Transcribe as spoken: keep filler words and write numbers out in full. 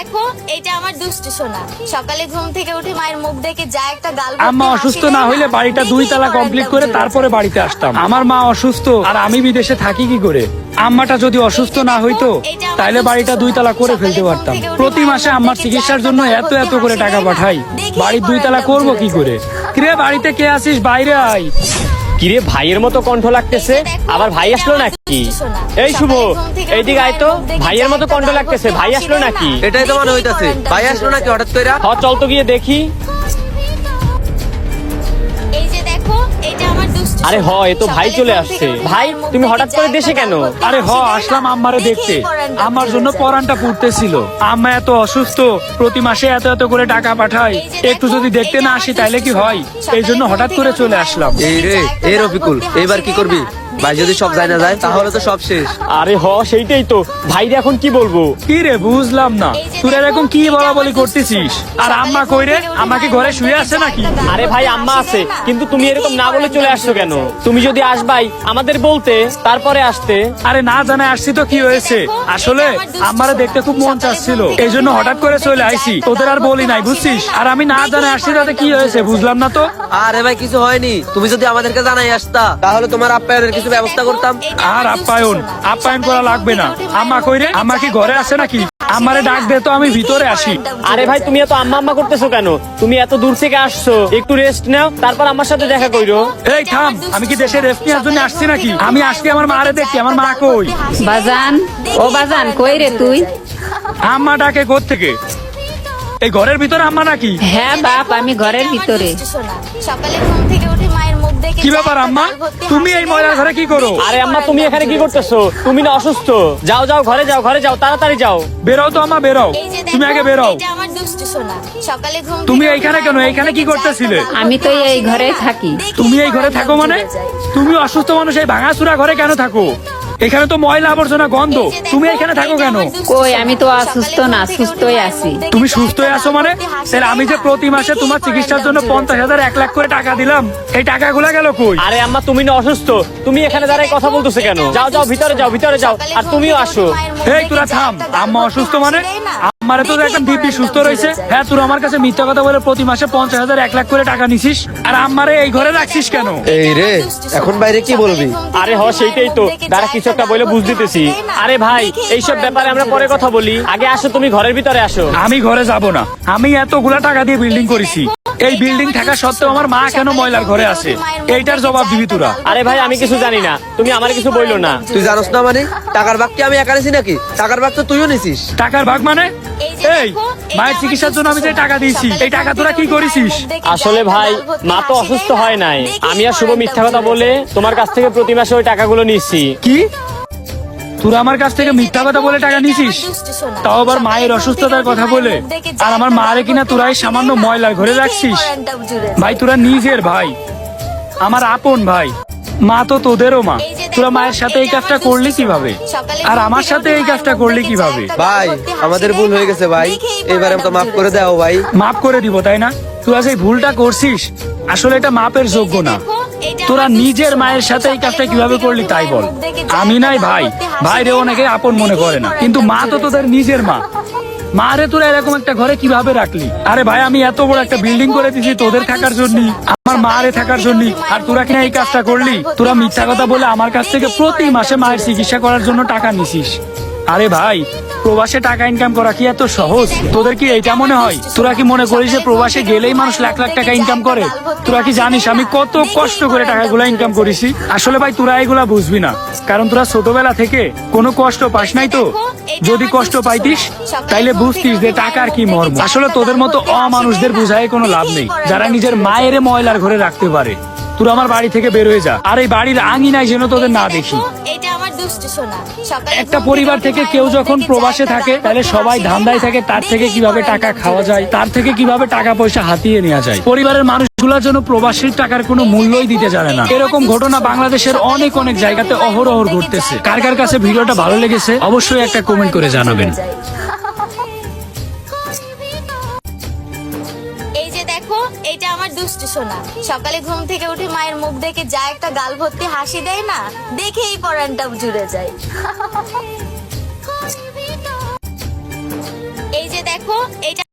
দেখো এটা আমার দুষ্টু সোনা, সকালে ঘুম থেকে উঠে মায়ের মুখ দেখে যা একটা গাল। আম্মা অসুস্থ না হইলে বাড়িটা দুই তালা কমপ্লিট করে তারপরে বাড়িতে আসতাম। আমার মা অসুস্থ আর আমি বিদেশে থাকি কি করে? আম্মাটা যদি অসুস্থ না হইতো তাইলে বাড়িটা দুই তালা করে ফেলতে পারতাম। প্রতি মাসে আম্মার চিকিৎসার জন্য এত এত করে টাকা পাঠাই, বাড়ির দুই তালা করবো কি করে? কিরে বাড়িতে কে আসিস? বাইরে আয়। কিরে ভাইয়ের মতো কণ্ঠ লাগতেছে, আবার ভাই আসলো নাকি? এই শুভ, এইদিকে আয় তো। ভাইয়ের মতো কণ্ঠ লাগতেছে, ভাই আসলো নাকি? এটাই তো মনে হইতাছে, ভাই আসলো নাকি হঠাৎ করে? হ চল তো গিয়ে দেখি। এই যে দেখো এটা আমার দুষ্টু। আরে হ, এ তো ভাই চলে আসছে। ভাই তুমি হঠাৎ করে দেশে কেন? আরে হ আসলাম আম্মারে দেখতে, আমার জন্য পরানটা পুড়তেছিল। আম্মা এত অসুস্থ, প্রতি মাসে এত এত করে টাকা পাঠায়, একটু যদি দেখতে না আসি তাইলে কি হয়? এই জন্য হঠাৎ করে চলে আসলাম। এই রে, এই রফিকুল, এইবার কি করবি? ভাই যদি সব যায় না যায় তাহলে তো সব শেষ। আরে হ সেইটাই তো, ভাই এখন কি বলবো? কি রে বুঝলাম না, তুই এরকম কি বলা বলি করতেছিস? আর আম্মা কই রে? আমাকে ঘরে শুয়ে আছে নাকি? আরে ভাই আম্মা আছে, কিন্তু তুমি এরকম না বলে চলে আসছো কেন? তুমি যদি আসবাই আমাদের বলতে, তারপরে আসতে। আরে না জানে আসছি তো কি হয়েছে? আসলে আমারে দেখতে খুব মন চাচ্ছিল, এই জন্য হঠাৎ করে চলে আইছি। তোদের আর বলি নাই বুঝছিস? আর আমি না জানে আসছি তাতে কি হয়েছে বুঝলাম না তো। আরে ভাই কিছু হয়নি, তুমি যদি আমাদেরকে জানাই আসতা তাহলে তোমার আপ্যায়নের কিছু ব্যবস্থা করতাম। আর আপ্যায়ন আপ্যায়ন করা লাগবে না। আম্মা কই রে? আম্মা কি ঘরে আছে নাকি? আমারে ডাক দে তো, আমি ভিতরে আসি। আরে ভাই তুমি এত আম্মা আম্মা করতেছো কেন? তুমি এত দূর থেকে আসছো, একটু রেস্ট নাও, তারপর আমার সাথে দেখা কইরো। এই থাম, আমি কি দেশে রেস্ট নেওয়ার জন্য আসছি নাকি? আমি আসছি আমার মারে দেখি, আমার মা কই? বাজান, ও বাজান কই রে তুই? আম্মা ডাকে কোথ থেকে? এই ঘরের ভিতরে আম্মা নাকি? হ্যাঁ বাপ, আমি ঘরের ভিতরে। সকালে ঘুম থেকে উঠে মায়ের মুখ দেখে কি ব্যাপার আম্মা, তুমি এই ময়লার ঘরে কি করো? আরে আম্মা তুমি এখানে কি করতেছো? তুমি না অসুস্থ? যাও যাও ঘরে যাও, ঘরে যাও, তাড়াতাড়ি যাও। বেরাও তো আম্মা, বেরাও। তুমি আগে বেরাও। এটা আমার দুষ্টু সোনা, সকালে ঘুম তুমি এইখানে কেন? এইখানে কি করতেছিলে? আমি তো এই ঘরে থাকি। তুমি এই ঘরে থাকো মানে? তুমি অসুস্থ মানুষ এই ভাঙাচুরা ঘরে কেন থাকো? এখানে তো ময়লা আবর্জনা গন্ধ, তুমি এখানে থাকো কেন? কই, আমি তো অসুস্থ না, সুস্থই আছি। তুমি সুস্থ হয়ে আছো মানে? স্যার আমি যে প্রতি মাসে তোমার চিকিৎসার জন্য পঞ্চাশ হাজার এক লাখ করে টাকা দিলাম, এই টাকাগুলা গেল কই? আরে আম্মা তুমি না অসুস্থ, তুমি এখানে দাঁড়ায় কথা বলতেছো কেন? যাও যাও ভিতরে যাও, ভিতরে যাও, আর তুমিও আসো। এই তোরা থাম, আম্মা অসুস্থ মানে? আমারে তো একদম দিব্যি সুস্থ রয়েছে। হ্যাঁ তোর আমার কাছে মিথ্যা কথা বলে প্রতি মাসে পঞ্চাশ হাজার এক লাখ করে টাকা নিছিস, আর আমারে এই ঘরে রাখছিস কেন? এই রে, এখন বাইরে কি বলবি? আরে হ সেইটাই তো, দাঁড়া কিছু একটা বলে বুঝ দিতেছি। আরে ভাই এইসব ব্যাপারে আমরা পরে কথা বলি, আগে আসো তুমি ঘরের ভিতরে আসো। আমি ঘরে যাব না, আমি এতগুলা টাকা দিয়ে বিল্ডিং করেছি, এই বিল্ডিং থাকা সত্ত্বেও আমার মা কেন ময়লার ঘরে আছে? এইটার জবাব দিবি তোরা। আরে ভাই আমি কিছু জানি না, তুমি আমার কিছু বইলো না। তুই জানোস না মানে? টাকার ভাগ কি আমি একা নিছি নাকি? টাকার ভাগ তো তুইও নিছিস। টাকার ভাগ মানে? এই মায়ের চিকিৎসার জন্য আমি যে টাকা দিয়েছি, এই টাকা তোরা কি করেছিস? আসলে ভাই মা তো অসুস্থ হয় নাই, আমি আর শুভ মিথ্যা কথা বলে তোমার কাছ থেকে প্রতি মাসে ওই টাকাগুলো নিচ্ছি। কি তোরা আমার কাছ থেকে মিথ্যা কথা বলে টাকা নিছিস? তাও আবার মায়ের অসুস্থতার কথা বলে? আর আমার মারে কিনা তোরা এই সামান্য ময়লার ঘরে রাখছিস? ভাই তোরা নিজের ভাই, আমার আপন ভাই, মা তো তোদেরও মা। তোরা মায়ের সাথে এই কাজটা করলি কিভাবে, আর আমার সাথে এই কাজটা করলি কিভাবে? ভাই আমাদের ভুল হয়ে গেছে ভাই, এবারে তো মাফ করে দাও ভাই। মাফ করে দিব তাই না? তোরা যে ভুলটা করছিস আসলে এটা মাপের যোগ্য না। তোরা নিজের মায়ের সাথে এই কাজটা কিভাবে করলি তাই বল। আমি নাই ভাই, ভাইরে অনেকে আপন মনে করে না, কিন্তু মা তো তোদের নিজের মা। মা রে তোরা এরকম একটা ঘরে কিভাবে রাখলি? আরে ভাই আমি এত বড় একটা বিল্ডিং করে দিছি তোদের থাকার জন্য, আমার মা রে থাকার জন্য, আর তোরা কিনা এই কাজটা করলি? তোরা মিথ্যা কথা বলে আমার কাছ থেকে প্রতি মাসে মায়ের চিকিৎসা করার জন্য টাকা নিছিস। আরে ভাই প্রবাসে টাকা ইনকাম করা কি এত সহজ? তোদের কি এইটা মনে হয়? তোরা কি মনে করিস যে প্রবাসে গেলেই মানুষ লাখ লাখ টাকা ইনকাম করে? তোরা কি জানিস আমি কত কষ্ট করে টাকাগুলো ইনকাম করেছি? আসলে ভাই তোরা এগুলা বুঝবি না, কারণ তোরা ছোটবেলা থেকে কোনো কষ্ট পাস নাই তো। যদি কষ্ট পাইতিস তাইলে বুঝতিস যে টাকার কি মর্ম। আসলে তোদের মতো অমানুষদের বুঝায় কোনো লাভ নেই, যারা নিজের মায়ের ময়লার ঘরে রাখতে পারে। তোরা আমার বাড়ি থেকে বের হয়ে যা, আর এই বাড়ির আঙিনায় যেন তোদের না দেখি। একটা পরিবার থেকে কেউ যখন প্রবাসে থাকে তাহলে সবাই ধান্দায় থাকে তার থেকে কিভাবে টাকা খাওয়া যায়, তার থেকে কিভাবে টাকা পয়সা হাতিয়ে নেওয়া যায়। পরিবারের মানুষগুলোর জন্য প্রবাসীর টাকার কোনো মূল্যই দিতে জানে না। এরকম ঘটনা বাংলাদেশের অনেক অনেক জায়গাতে অহরহ ঘটতেছে। কার কার কাছে ভিডিওটা ভালো লেগেছে অবশ্যই একটা কমেন্ট করে জানাবেন। এই যে দেখো এটা আমার দুষ্টু সোনা, সকালে ঘুম থেকে উঠে মায়ের মুখ দেখে যা একটা গাল ভর্তি হাসি দেয় না, দেখেই পরানটা জুড়ে যায়। এই যে দেখো দেখো এটা